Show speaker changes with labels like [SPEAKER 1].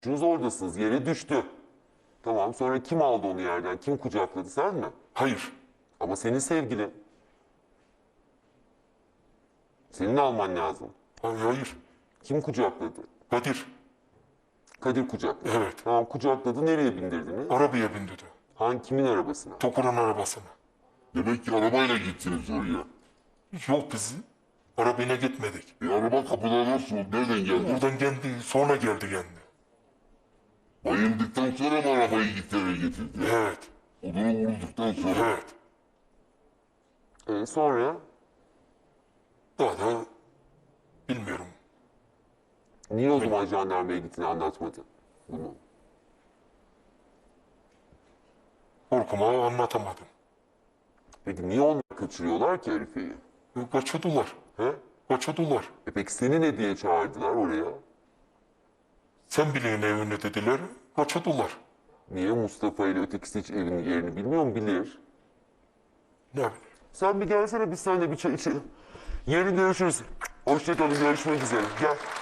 [SPEAKER 1] Üçünüz oradasınız. Yere düştü. Tamam, sonra kim aldı onu yerden? Kim kucakladı, sen mi?
[SPEAKER 2] Hayır.
[SPEAKER 1] Ama senin sevgilin. Senin alman lazım.
[SPEAKER 2] Hayır.
[SPEAKER 1] Kim kucakladı?
[SPEAKER 2] Kadir.
[SPEAKER 1] Kadir kucakladı.
[SPEAKER 2] Evet.
[SPEAKER 1] Tamam, kucakladı. Nereye bindirdiniz?
[SPEAKER 2] Arabaya bindirdi.
[SPEAKER 1] Kimin arabasına?
[SPEAKER 2] Tokur'un arabasına.
[SPEAKER 3] Demek ki arabayla gittiniz oraya.
[SPEAKER 2] Yok bizi. Arabayla gitmedik.
[SPEAKER 3] Araba kapıda nasıl oldu? Nereden geldi?
[SPEAKER 2] Buradan geldi, sonra geldi kendi.
[SPEAKER 3] Bayıldıktan sonra mı arabayı gitti eve getirdi?
[SPEAKER 2] Evet.
[SPEAKER 3] Odunu vurulduktan sonra.
[SPEAKER 2] Evet.
[SPEAKER 1] Sonra
[SPEAKER 2] Daha da bilmiyorum.
[SPEAKER 1] niye o zaman jandarmaya gittiğini anlatmadın bunu?
[SPEAKER 2] Korkuma anlatamadım.
[SPEAKER 1] Peki niye onlar kaçırıyorlar ki Arife'yi?
[SPEAKER 2] Kaçırdılar.
[SPEAKER 1] He?
[SPEAKER 2] Kaçırdılar.
[SPEAKER 1] Peki seni ne diye çağırdılar oraya?
[SPEAKER 2] Sen bilin evine dediler. Kaçırdılar.
[SPEAKER 1] Niye Mustafa ile ötekisi hiç evinin yerini bilmiyor mu? Bilir.
[SPEAKER 2] Ne bileyim.
[SPEAKER 1] Sen bir gelsene, biz seninle bir çay içelim. Yarın görüşürüz. Hoşçakalın, görüşmek üzere. Gel.